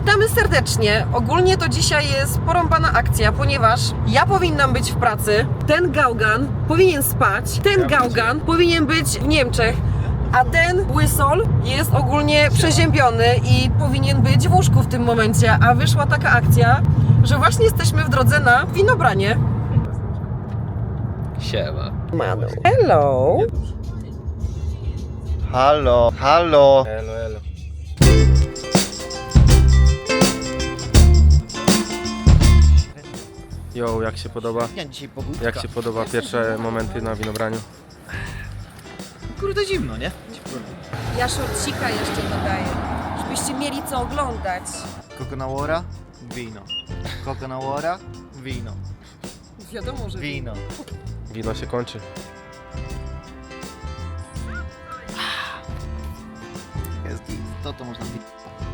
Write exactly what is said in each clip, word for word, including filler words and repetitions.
Witamy serdecznie. Ogólnie to dzisiaj jest porąbana akcja, ponieważ ja powinnam być w pracy, ten gałgan powinien spać, ten gałgan powinien być w Niemczech, a ten łysol jest ogólnie przeziębiony i powinien być w łóżku w tym momencie, a wyszła taka akcja, że właśnie jesteśmy w drodze na winobranie. Siema. Manu. Hello. Halo, halo. Elo, elo. Jo, jak się podoba? Ja dzisiaj pogódka. Jak się podoba pierwsze momenty na winobraniu? Kurde zimno, nie? Ja szorcika jeszcze dodaję, żebyście mieli co oglądać. Coconauora, wino. Coconauora, wino. Wiadomo, że Wino. Wino się kończy. Jest git. To to można pić.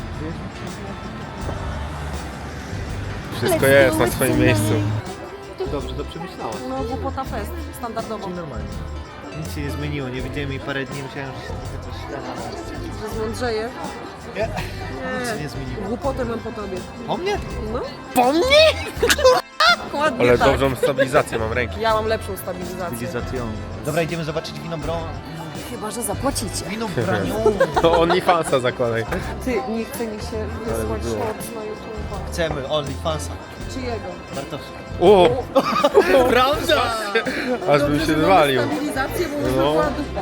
Wszystko jest na swoim miejscu. To dobrze, to przemyślałaś. No, głupota fest, standardowo. Normalnie. Nic się nie zmieniło, nie widziałem jej parę dni, myślałem, że się trochę coś da. Że zmądrzeje. Nie. Nie. Nic się nie zmieniło. Głupotę mam po tobie. O mnie? No. Po mnie? Ładnie Ale tak. dobrą stabilizację mam ręki. Ja mam lepszą stabilizację. Cywilizacją. Dobra, idziemy zobaczyć wino bro... Chyba, że zapłacicie. Wino braniu. To OnlyFansa zakładaj. Ty, nie chce mi się wysłać było. shorts na YouTube. Chcemy OnlyFansa. Czyjego? Bartosz. O! Prawda! Aż bym się wywalił. Stabilizację, bo już No. była dupa.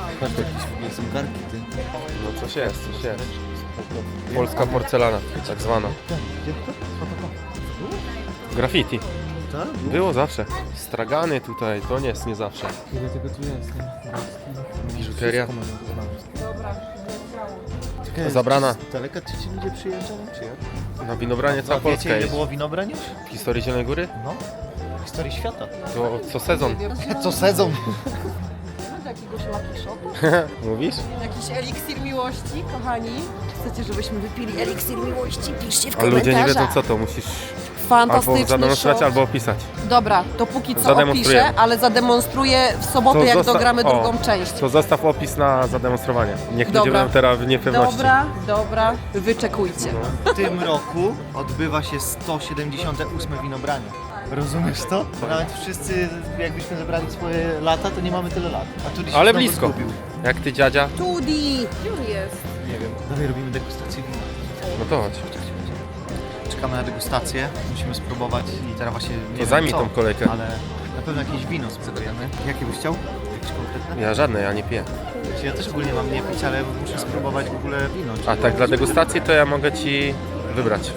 Są garki, ty. No coś jest, coś jest. Polska porcelana, tak zwana. Gdzie to? Co to? Graffiti. Tak? Było zawsze. Stragany tutaj, to nie jest nie zawsze. Ile tego tu jest? nie? Biżuteria. Dobra, Czekaj, Zabrana. czy Z daleka ci ci ludzie przyjeżdżają, czy jak? Na winobranie cała A wiecie, Polska ile jest. było winobrań już? W historii Zielonej Góry? No. W historii świata. To co sezon. Co sezon? Mamy jakiegoś lucky shota? Mówisz? Jakiś eliksir miłości, kochani. Chcecie, żebyśmy wypili eliksir miłości? Piszcie w A komentarzach. ludzie nie wiedzą co to, musisz albo Fantastyczny zademonstrować, shot. albo opisać. Dobra, to póki co Zademonstrujemy. opiszę, ale zademonstruję w sobotę, To jak zosta- dogramy o, drugą część. To zostaw opis na zademonstrowanie. Niech ludzie Dobra. będą teraz w niepewności. Dobra, dobra, wyczekujcie. No. W tym roku odbywa się sto siedemdziesiąte ósme winobranie. Rozumiesz to? Nawet wszyscy, jakbyśmy zebrali swoje lata, to nie mamy tyle lat. A tu Ale znowu blisko. Zgubił. Jak ty dziadzia, Tudi! Gdzie on jest? Nie wiem. Dalej robimy degustację wina. no to chodź. Czekamy na degustację, musimy spróbować i teraz właśnie nie To wiem zajmij co, tą kolejkę. ale na pewno jakieś wino spróbujemy. Jakie byś chciał? Jakieś konkretne? Ja żadne, ja nie piję. Ja też ogólnie mam nie pić, ale muszę spróbować w ogóle wino. A tak dla degustacji to ja mogę ci wybrać.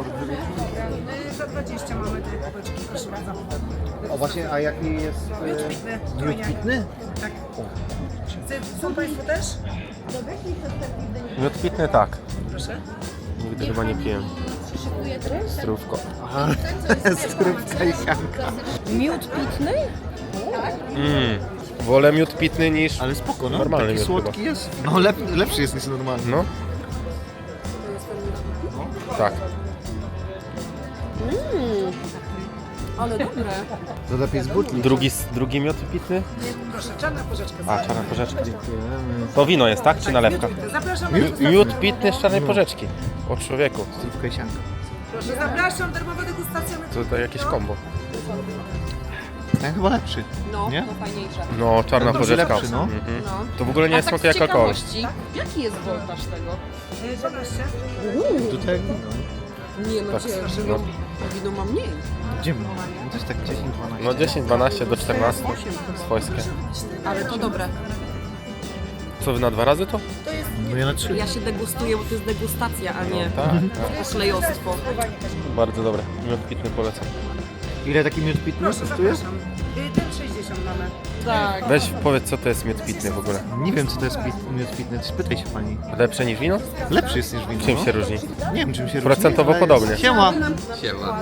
Za dwadzieścia mamy dwie kubeczki, proszę bardzo. O właśnie, a jaki jest... Pitny. Miód pitny? Tak. Są Państwo też? Miód pitny tak. Proszę. Nigdy chyba nie piłem. Strówko. Aha, strówka i sianka. Miód pitny? Mm. Wolę miód pitny niż... Ale spoko, no. Normalny Taki miód słodki chyba. jest. No lep, lepszy jest niż normalny. No. Tak. Ale dobre. To lepiej z butli. Drugi, drugi miód pitny? Proszę, czarna porzeczka. A, czarna porzeczka. To wino jest, tak? Czy nalewka? Zapraszam, Mi- Miód pitny z czarnej porzeczki. O człowieku. Strówka i sianka. proszę, zapraszam, darmowa degustacja. To, to jakieś kombo. Ten chyba lepszy. No, Nie? to fajniejsze. No, czarna No, porzeczka. lepszy, no. Mhm. No. To w ogóle nie A tak smakuje z jak alkohol. ciekawości, jaki jest voltaż tego? dwanaście. Do tego? Nie no, Tak, ciężko. no. Wino ma mniej. Gdzie my? No to jest tak dziesięć dwanaście. No dziesięć, dwanaście do czternastu. Swojskie. Ale to dobre. Co wy na dwa razy to? No ja na trzy. Ja się degustuję, bo to jest degustacja, a nie Tak, tak. oszlejostwo. Bardzo dobre. Miód pitny polecam. Ile taki miód pitny kosztuje? Ten sześćdziesiąt mamy. Tak. Weź powiedz co to jest miód pitny w ogóle. Nie wiem co to jest pit, miód pitny, spytaj się pani. Lepsze niż wino? Lepszy jest niż wino. Czym no. się różni? Nie wiem czym się Procentowo różni. ale podobnie. jest- Siema! Siema.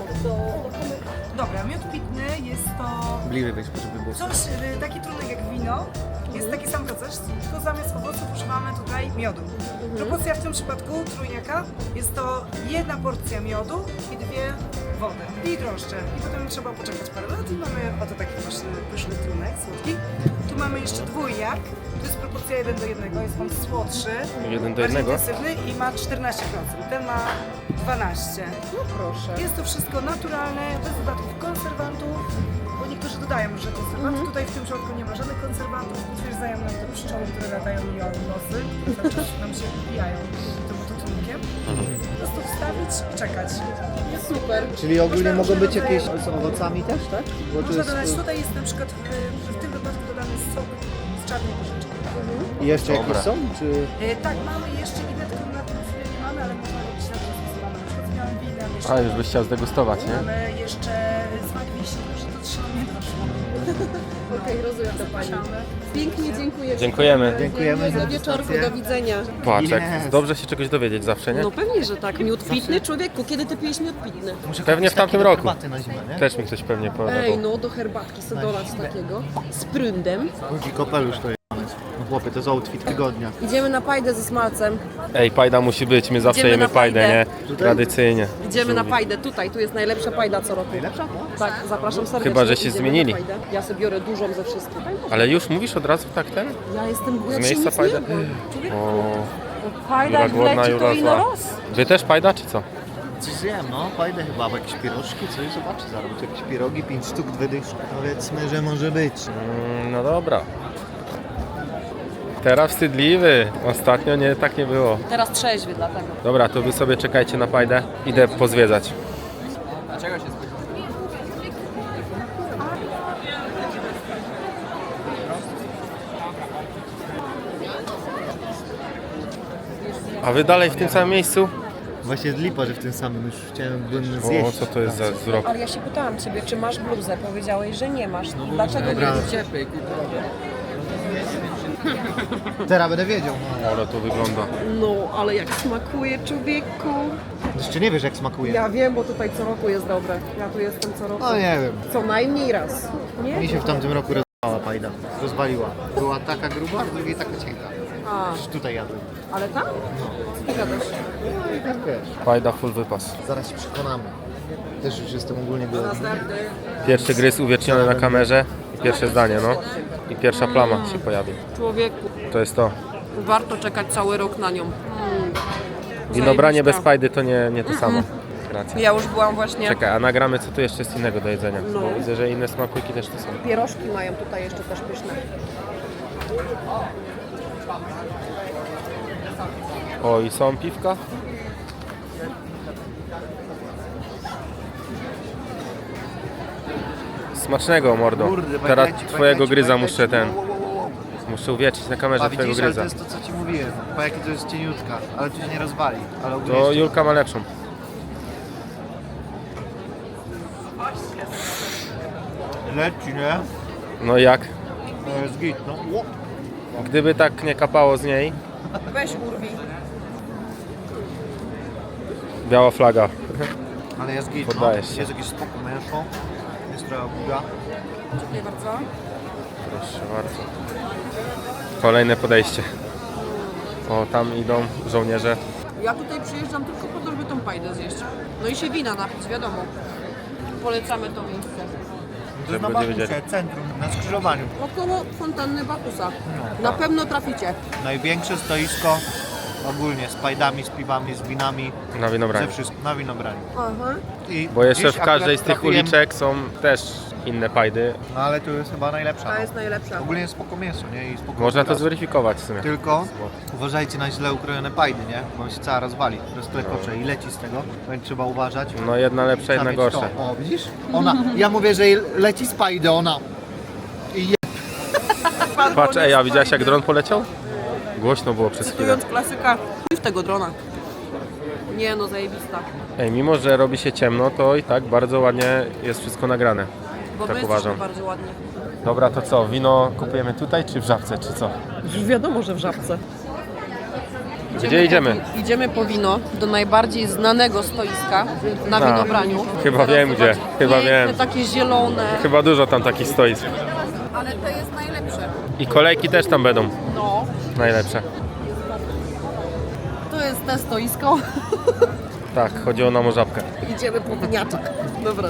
Dobra, miód pitny jest to Bliżej weź, żeby było. coś, y, taki trunek jak wino, Jest taki sam proces, tylko zamiast owoców używamy tutaj miodu. Proporcja w tym przypadku trójniaka jest to jedna porcja miodu i dwie wody i drożdże. I potem trzeba poczekać parę lat i mamy oto taki pyszny, pyszny trunek słodki. Tu mamy jeszcze dwójniak, to jest proporcja jeden do jednego, jest on słodszy, Jeden do bardziej jednego? intensywny i ma czternaście procent, ten ma dwanaście procent. No proszę. Jest to wszystko naturalne, bez dodatków konserwantów, bo niektórzy dodają różne konserwanty. Tutaj w tym środku nie ma żadnych konserwantów, potwierdzają nam te pszczoły, które latają mi o nosy, które cały czas nam się wbijają tym oto trunkiem. Po prostu wstawić i czekać. Jest Super. Czyli ogólnie Można mogą być różne jakieś rodzaje- z owocami też, tak? Bo to Można jest... dodać, tutaj jest na przykład, w, w tym wypadku dodany sok z czarnej porzeczki. I jeszcze Dobra. jakieś są? Czy... E, tak, mamy jeszcze inne, tylko na tym chwilę nie mamy, ale można robić na przykład mamy na przykład z białym winem, jeszcze A, już byś chciał zdegustować, nie? mamy jeszcze smak wiśni, że to trzeba nie doszło. Okej, rozumiem to pani. Pięknie dziękuję. Dziękujemy. Dziękujemy za Do wieczorku, degustację. do widzenia. Patrz, jak Yes. dobrze się czegoś dowiedzieć zawsze, nie? No pewnie, że tak. Miód pitny, człowieku. Kiedy ty pijesz miód pitny? Muszę Pewnie kupić w tamtym taki do roku. herbaty na zimę, nie? Też mi ktoś pewnie Ej, powiedział. no do herbatki sobie dolać takiego. Z prądem. Jaki kapelusz to jest. No chłopie, to jest outfit tygodnia. Idziemy na pajdę ze smalcem. Ej, pajda musi być, my zawsze Idziemy jemy na pajdę, pajdę. nie? Tradycyjnie. Idziemy na pajdę tutaj. Tu jest najlepsza pajda co roku. Najlepsza? Tak, zapraszam serdecznie. Chyba, że się Idziemy zmienili. na pajdę. Ja sobie biorę dużą ze wszystkich. Ale już mówisz od razu tak ten? Ja jestem ja Z dzisiaj miejsca nic pajdę? nie jadłam. Człowieku, O, Pajda jak Jura głodna, wleci to Jura ino zła. roz. Wy też pajda, czy co? Coś zjem, no. Fajne chyba, bo jakieś pierożki, coś zobaczy zaraz. Jakieś pierogi, pięć sztuk, dwie dyszki. Powiedzmy, że może być. Mm, no dobra. Teraz wstydliwy. Ostatnio nie, tak nie było. Teraz trzeźwy dlatego. Dobra, to wy sobie czekajcie na pajdę. Idę pozwiedzać. A wy dalej w tym samym miejscu? Właśnie jest lipa, że w tym samym już chciałem bym zjeść. O, co to jest za wzrok? Ale ja się pytałam ciebie, czy masz bluzę. Powiedziałeś, że nie masz. No Dlaczego nie Dobra. wiecie? Teraz będę wiedział. Ale to wygląda. No, ale jak smakuje człowieku. Jeszcze nie wiesz jak smakuje. Ja wiem, bo tutaj co roku jest dobre. Ja tu jestem co roku. No nie wiem. Co najmniej raz. Nie? Mi się w tamtym roku rozwaliła pajda. Rozwaliła. Była taka gruba, a drugiej taka cienka. A, Już tutaj jadłem. ale tam? Co ty gadasz? No i tak wiesz. Pajda full wypas. Zaraz się przekonamy. Też już jestem ogólnie głodny. Następny. Pierwszy gryz uwieczniony na kamerze i pierwsze zdanie, no. I pierwsza plama się pojawi. Człowieku, To jest to. warto czekać cały rok na nią. Mm. Winobranie bez Zajebista. pajdy to nie, nie to samo. Racja. Ja już byłam właśnie. Czekaj, a nagramy co tu jeszcze jest innego do jedzenia. No. Bo widzę, że inne smakołyki też tu są. Pierożki mają tutaj jeszcze też pyszne. O, i są piwka. Smacznego, mordo. Kurde, Teraz bajleci, twojego bajleci, gryza bajleci. muszę ten. Wow, wow, wow, wow. Muszę uwieczyć na kamerze A twojego widzisz, ale to gryza. jest to co ci mówiłem. Po jakie to jest cieniutka, ale tu się nie rozwali. Ale ogólnie To jeszcze- Julka ma lepszą. Leci, nie? No jak? No jest git, no. Ło. Gdyby tak nie kapało z niej, Weź urwij. biała flaga. Ale jest git, Poddajesz no. się. Jest jakieś spoko mięso. Jest trochę buga. Dziękuję bardzo. Proszę bardzo. Kolejne podejście. O, tam idą żołnierze. Ja tutaj przyjeżdżam tylko po to, żeby tą pajdę zjeść. No i się wina napić, wiadomo. Polecamy to miejsce. To jest na będzie Bakusie, wiedzieli. centrum, na skrzyżowaniu. Około fontanny Bakusa. Na pewno traficie. Największe stoisko ogólnie z pajdami, z piwami, z winami, Na winobranie. ze wszystkim, na winobraniu. Aha. I Bo jeszcze dziś w każdej akurat z tych trafiłem- uliczek są też inne pajdy. No ale tu jest chyba najlepsza. Ta No. jest najlepsza. Ogólnie jest spoko mięso, nie? I spoko Można to obraz. zweryfikować w sumie. Tylko uważajcie na źle ukrojone pajdy, nie? Bo on się cała rozwali, rozklekocze i leci z tego, więc trzeba uważać. No jedna lepsza, Trzeba jedna mieć gorsza. to. O, widzisz? Ona, ja mówię, że jej leci z pajdy, ona. I je... Patrz, ej, a widziałaś jak dron poleciał? Głośno było przez chwilę. Cytując klasyka, chuj w tego drona. Nie no, zajebista. Ej, mimo że robi się ciemno, to i tak bardzo ładnie jest wszystko nagrane. Bo Tak my uważam. jesteśmy bardzo ładnie. Dobra, to co? Wino kupujemy tutaj czy w Żabce, czy co? Już wiadomo, że w Żabce. Gdzie idziemy? Po, idziemy po wino do najbardziej znanego stoiska na A, winobraniu. chyba Zaraz wiem gdzie, zobaczysz. chyba Piękne, wiem. takie zielone. Chyba dużo tam takich stoisk. Ale to jest najlepsze. I kolejki też tam będą No, najlepsze. to jest te stoisko. Tak, chodziło nam o żabkę. Idziemy po winiaczek. Dobra.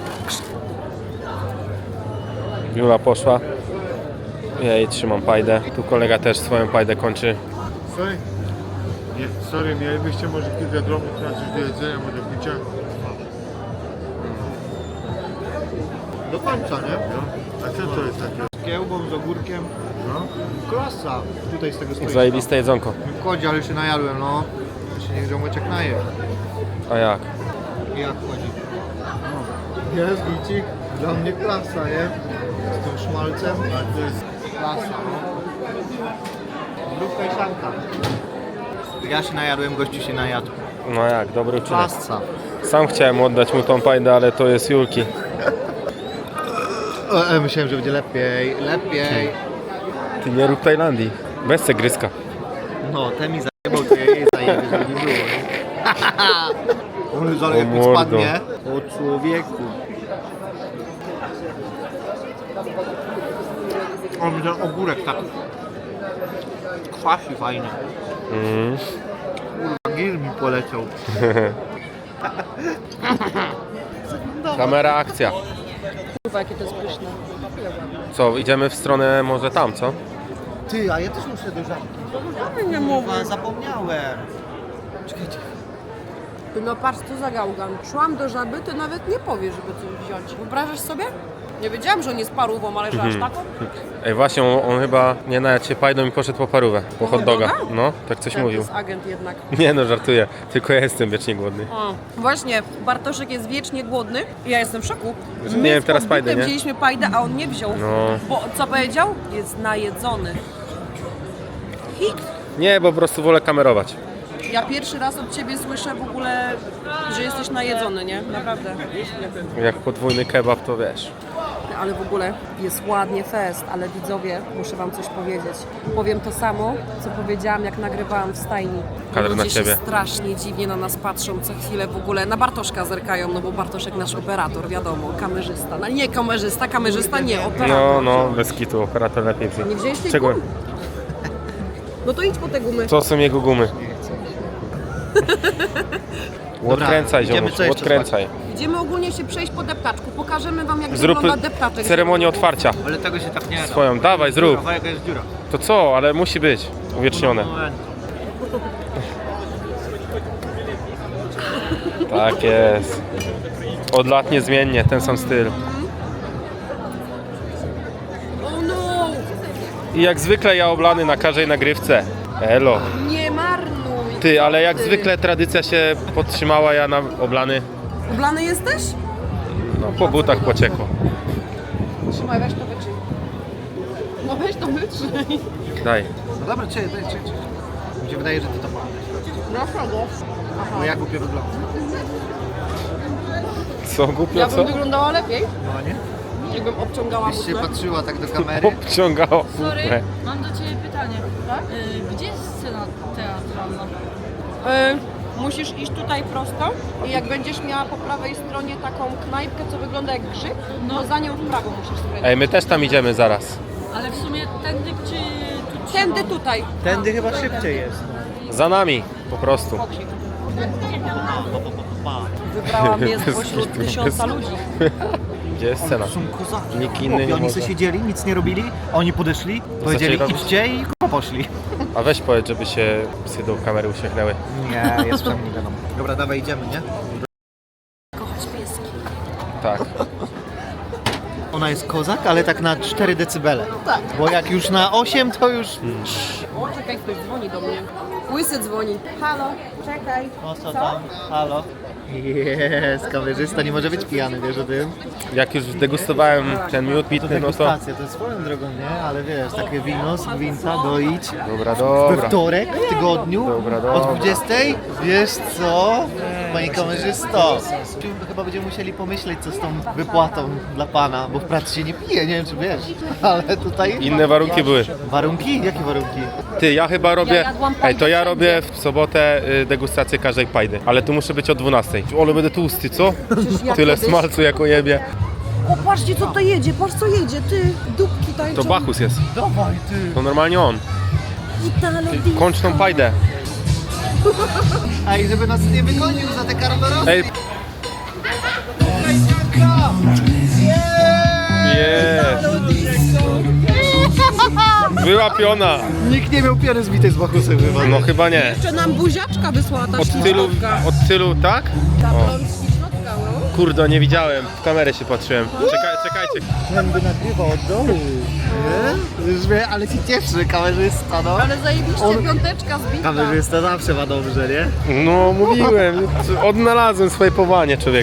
Jula poszła. Ja jej trzymam pajdę. Tu kolega też swoją pajdę kończy. Sorry? Nie, sorry, mielibyście może kilka drobnych na coś do jedzenia, może do picia? Do końca, nie? No. A co to jest takie? Z kiełbą, z ogórkiem. No? Klasa. Tutaj z tego stoiska. Zajebiste jedzonko. Kodzi, ale się najadłem, no. Jeszcze niech ziomeczek naje. A jak? I jak chodzi? No. Jest gicik. Dla mnie klasa, nie? Z tym szmalcem. A to jest klasa, no. Lubka i szanka. Ja się najadłem, gościu się najadł. No jak, dobry uczynek. Klasa. Sam chciałem oddać mu tą pajdę, ale to jest Julki. O, e, myślałem, że będzie lepiej, lepiej. Ty nie rób Tajlandii. Weź se gryzka. No, ten mi zajebał, to ja jej zajebę, żeby nie było, nie? On zaraz O jak mi mordo. spadnie. O człowieku. On ten ogórek tak kwasi fajnie. Mhm. Kurwa, gil mi poleciał. Kamera, akcja. Kurwa, jakie to jest pyszne. Co, idziemy w stronę może tam, co? Ty, a ja też muszę do żabki. Nie mówię. Kurwa, zapomniałem. Czekajcie. No patrz, co za gałgan. Szłam do żaby, to nawet nie powie, żeby coś wziąć. Wyobrażasz sobie? Nie wiedziałam, że on jest parówą, ale że aż taką? Ej, właśnie, on, on chyba nie najadł się pajdą i poszedł po parówę. Po hot doga. hot doga? No, tak coś Ten mówił. jest agent jednak. Nie no, żartuję. Tylko ja jestem wiecznie głodny. O, właśnie, Bartoszek jest wiecznie głodny i ja jestem w szoku. Że My nie wiem z teraz podbitem pajdę, nie? wzięliśmy pajdę, a on nie wziął. No. Bo co powiedział? Jest najedzony. Hik. Nie, bo po prostu wolę kamerować. Ja pierwszy raz od ciebie słyszę w ogóle, że jesteś najedzony, nie? Naprawdę. Jak podwójny kebab, to wiesz. Ale w ogóle jest ładnie fest, ale widzowie, muszę wam coś powiedzieć. Powiem to samo, co powiedziałam, jak nagrywałam w stajni. Kadr Ludzie na się ciebie. strasznie dziwnie na nas patrzą, co chwilę w ogóle na Bartoszka zerkają, no bo Bartoszek nasz operator, wiadomo, kamerzysta. No nie kamerzysta, kamerzysta nie, operator. No, no, bez kitu, operator lepiej wziąć. Nie wziąłeś tej Czego? gumy? No to idź po te gumy. To są jego gumy. Odkręcaj, idziemy, ziomuś, co jeszcze odkręcaj. Idziemy ogólnie się przejść po deptaczku, pokażemy wam jak Zrób wygląda deptaczek. ceremonię otwarcia. Ale tego się tak nie da. Swoją, dawaj, zrób. Kurwa, jaka jest dziura. To co, ale musi być uwiecznione. Tak jest. Od lat niezmiennie, ten sam styl. Oh no! I jak zwykle ja oblany na każdej nagrywce. Elo. Nie marnuj! Ty, ale jak Ty. zwykle tradycja się podtrzymała, ja na oblany, Ublany jesteś? no po butach pociekło. Trzymaj, weź to wytrzyj. No weź to wytrzyj. Daj. No dobra, czekaj, daj, czekaj, czekaj. Mi się wydaje, że ty to masz. Dlaczego? Bo ja głupio wyglądam. Co, głupio, Ja co? bym wyglądała lepiej, No nie? jakbym obciągała Byś się butlę. patrzyła tak do kamery. Obciągało Sorry, butlę. mam do Ciebie pytanie. Tak? Y, Gdzie jest scena teatralna? Y, musisz iść tutaj prosto i jak będziesz miała po prawej stronie taką knajpkę, co wygląda jak grzyb, no za nią w prawo musisz skręcić. Ej, my też tam idziemy zaraz. Ale w sumie tędy czy tu Tędy trzeba? tutaj. Tędy chyba szybciej jest. Za nami, po prostu. Pokrzyk. Wybrałam mnie spośród tysiąca ludzi. Gdzie jest scena? Są kozaki. Nikt inny nie Chłopie, oni może. sobie siedzieli, nic nie robili, a oni podeszli, powiedzieli robić? idźcie i k***a poszli. A weź powiedz, żeby się psy do kamery uśmiechnęły. Nie, jeszcze nie wiadomo. Dobra, dawaj, idziemy, nie? Kochać pieski. Tak. Ona jest kozak, ale tak na cztery decybele. Tak. Bo jak już na osiem, to już... O, czekaj, ktoś dzwoni do mnie. Łysy dzwoni. Halo, czekaj. No co tam? Halo? Jest, kamerzysta nie może być pijany, wiesz o tym? Jak już degustowałem ten miód To pitny, no to... degustacja, to jest swoją drogą, nie? Ale wiesz, takie wino z gwinca doić Dobra, we dobra. wtorek w tygodniu Dobra, o dobra. dwudziestej. Wiesz co, panie kamerzysto? Chyba będziemy musieli pomyśleć, co z tą wypłatą dla pana, bo w pracy się nie pije, nie wiem czy wiesz, ale tutaj... Inne warunki były. Warunki? Jakie warunki? Ty, ja chyba robię... jadłam Ej, to ja pajdę robię w sobotę y, degustację każdej pajdy. Ale tu muszę być o dwunastej. Ale będę tłusty, co? ja Tyle kiedyś- smalcu jak o jebie. O, patrzcie co to jedzie, patrz co jedzie, ty. Dupki tańczą. To Bachus jest. Dawaj ty! To normalnie on. Italo Ty, disco. kończ tą pajdę. Ej, żeby nas nie wygonił za te karmerosy! Ej. Jest. Była piona. Nikt nie miał piany zbitej z Bachusem chyba. No chyba nie. Jeszcze nam buziaczka wysłała ta Od tylu, ślicznotka. od tylu, tak? Ta O. blond ślicznotka, no. Kurde, nie widziałem. W kamerę się patrzyłem. Czekaj, czekajcie. Ten by nagrywał od dołu. Nie? Już wie, ale ci cieszy kamerzysta, no. Ale zajebiście On- piąteczka zbita. Kamerzysta zawsze ma dobrze, nie? No mówiłem. Odnalazłem swoje powołanie, człowiek.